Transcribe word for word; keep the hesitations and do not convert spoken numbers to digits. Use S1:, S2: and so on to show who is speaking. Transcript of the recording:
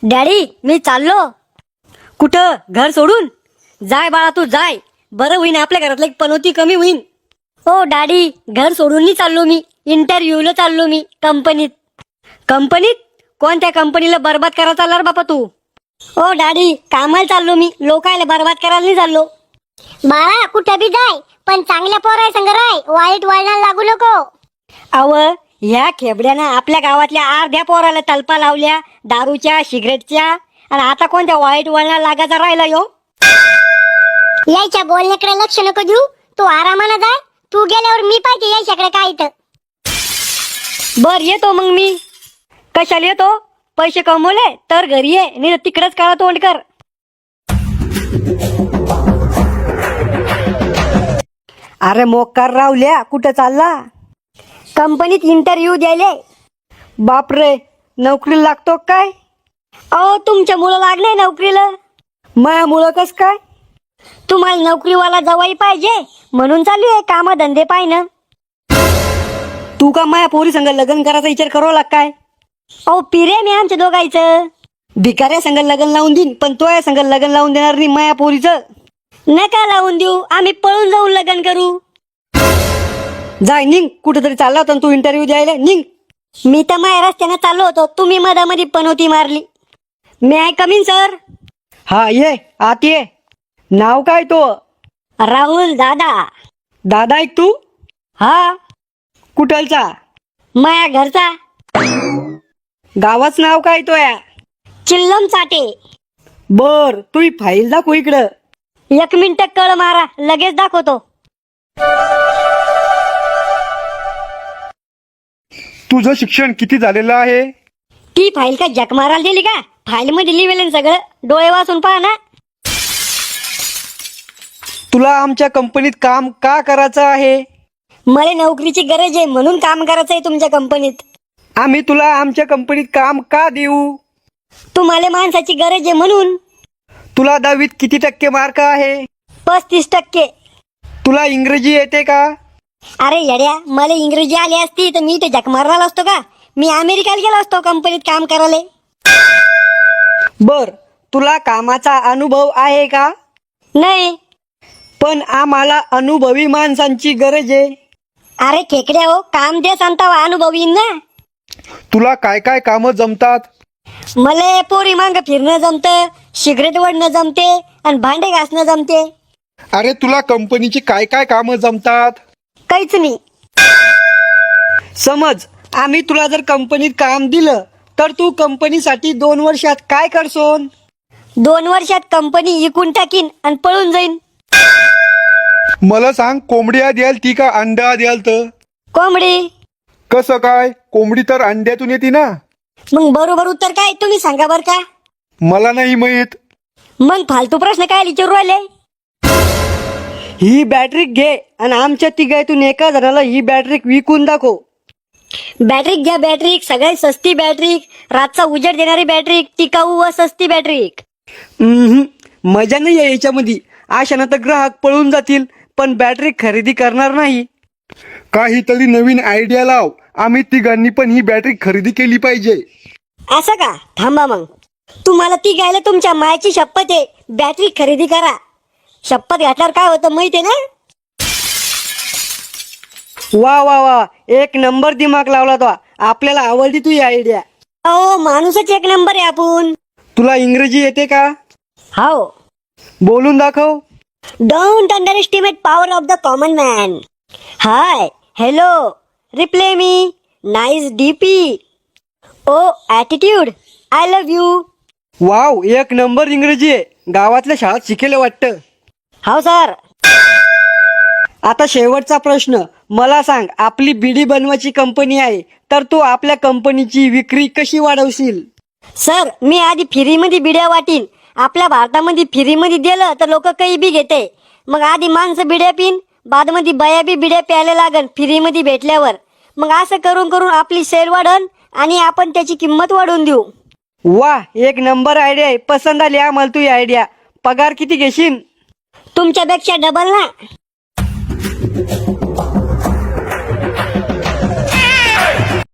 S1: Daddy मी चाललो. कुठं? घर सोडून? जाय बाळा तू जाय, बरं होईन आपल्या घरातलं एक पनोती कमी होईन. हो डॅडी, घर सोडून नाही चाललो मी, इंटरव्ह्यूला चाललो मी कंपनीत. कंपनीत? कोणत्या कंपनीला बरबाद करायला चालला रे बापा तू? हो डॅडी, कामाला चाललो मी, लोकायला बरबाद करायला नाही चाललो.
S2: बाळा कुठं बी जाय, पण चांगल्या पोराय संग राय, वाईट वळणाला लागू नको.
S1: अव ह्या खेबड्यानं आपल्या गावातल्या अर्ध्या पोराला तलपा लावल्या दारूच्या सिगरेटच्या, आणि आता कोणत्या वाईट वळणाला लागायचा राहिला यो.
S2: यायच्या बोलण्याकडे लक्ष नको देऊ, तू आरामानं जाय. तू गेल्यावर मी पाहिजे यायच्याकडे काय इथं.
S1: बर येतो मग मी. कशाला येतो? पैसे कमवले तर घरी ये, नाही तिकडेच काळा तोंड कर. अरे मोकार रावल्या, कुठं चालला? कंपनीत इंटरव्ह्यू द्यायले. बापरे, नोकरीला लागतो काय? अहो तुमच्या मुलं लागले नोकरीला. माया मुलं कस काय? तुम्हाला नोकरीवाला जवाई पाहिजे म्हणून चालू आहे काम धंदे पाहिनं. तू का माया पोरी संग लग्न करायचा विचार करू लाग काय? अहो पिरे मी आमच्या दोघायचं. भिकाऱ्या संग लग्न लावून देईन, पण तो या संग लग्न लावून देणार नाही माया पोरीचं. नका लावून देऊ, आम्ही पळून जाऊन लग्न करू. जाय निघ, कुठेतरी चालला होता तू इंटरव्ह्यू द्यायला, निघ. मी तर माया रस्त्यानं चाललो होतो, तुम्ही मधामध्ये पनोती मारली. मी आय कमीन सर? हा ये आत ये. नाव काय तो? राहुल दादा. दादा ऐक तू? हा. कुठलचा? माया घरचा. गावाच नाव काय तो या? चिल्लम चाटे. बर, तू ही फाईल दाखव इकडं. एक मिनिट कळ मारा, लगेच दाखवतो.
S3: तुझं शिक्षण किती झालेलं आहे?
S1: ती फाईल का जक मारायला दिली का? फाईल मध्ये लिहिलेलं सगळं, डोळे वाचून पहा ना.
S3: तुला आमच्या कंपनीत काम का करायचं आहे?
S1: मला नोकरीची गरज आहे म्हणून काम करायचं आहे तुमच्या कंपनीत.
S3: आम्ही तुला आमच्या कंपनीत काम का देऊ?
S1: तुम्हाला माणसाची गरज आहे म्हणून.
S3: तुला दहावीत किती टक्के मार्क आहे?
S1: पस्तीस टक्के.
S3: तुला इंग्रजी येते का?
S1: अरे येड्या, मला इंग्रजी आली असती तर मी ते जक मारला असतो का? मी अमेरिकेला गेलो असतो कंपनीत काम करायला.
S3: बर, तुला कामाचा अनुभव आहे का?
S1: नाही.
S3: पण आम्हाला अनुभवी माणसांची गरज आहे.
S1: अरे खेकड्या हो, काम दे सांगता अनुभवी ना.
S3: तुला काय काय कामं जमतात?
S1: मला पोरी मांग फिरणं जमतं, सिगरेट वडणं जमते, आणि भांडे घासणं जमते.
S3: अरे तुला कंपनीची काय काय कामं जमतात?
S1: काहीच नाही.
S3: समज आम्ही तुला जर कंपनीत काम दिलं तर तू कंपनीसाठी दोन वर्षात काय करसोन?
S1: दोन वर्षात कंपनी इकून टाकीन आणि पळून जाईन.
S3: मला सांग, कोंबड्या द्याल ती का अंडा द्याल? तर
S1: कोंबडी.
S3: कसं काय? कोंबडी तर अंड्यातून येते ना.
S1: मग बरोबर उत्तर काय तुम्ही सांगा बर का?
S3: मला नाही माहित.
S1: मग फालतू प्रश्न काय विचारू राहिले?
S3: ही बॅटरी घे आणि आमच्या तिघातून एका जणाला ही बॅटरी विकून दाखव.
S1: बॅटरी घ्या, बॅटरी सगळ्यात सस्ती बॅटरी, रातचा उजेड देणारी बॅटरी, टिकाऊ व सस्ती बॅटरी.
S3: मजा नाही आहे याच्यामध्ये. अशानं तर ग्राहक पळून जातील, पण बॅटरी खरेदी करणार नाही. काहीतरी नवीन आयडिया लाव. आम्ही तिघांनी पण ही बॅटरी खरेदी केली पाहिजे.
S1: असं का? थांबा मग, तुम्हाला ती घ्यायला तुमच्या मायची शपथ आहे, बॅटरी खरेदी करा. शपथ घातल्यावर काय होतं माहितीये ना?
S3: वा वा वा, एक नंबर दिमाग लावला तो. आपल्याला आवडली तू ही आयडिया.
S1: अहो माणूसच एक नंबर आहे आपण.
S3: तुला इंग्रजी येते का?
S1: हो.
S3: बोलून दाखव.
S1: Don't underestimate power of the common man. Hi, hello, reply me, nice DP, oh attitude, I love you.
S3: Wow, एक नंबर इंग्रजी आहे. गावातल्या शाळेत शिकेलं वाटतं.
S1: हो सर.
S3: आता शेवटचा प्रश्न, मला सांग, आपली बिडी बनवायची कंपनी आहे, तर तू आपल्या कंपनीची विक्री कशी वाढवशील?
S1: सर, मी आधी फ्रीमध्ये बिड्या वाटीन. आपल्या भारतामध्ये फ्रीमध्ये दिलं तर लोक काही बी घेते. मग आधी माणसं बिड्या पिन, बादमध्ये बया बी बिड्या प्यायला लागन फ्रीमध्ये भेटल्यावर. मग असं करून करून आपली सेल वाढन आणि आपण त्याची किंमत वाढवून देऊ.
S3: वा, एक नंबर आयडिया आहे. पसंत आली आम्हाला तू आयडिया. पगार किती घेशील?
S1: तुमच्यापेक्षा डबल ना.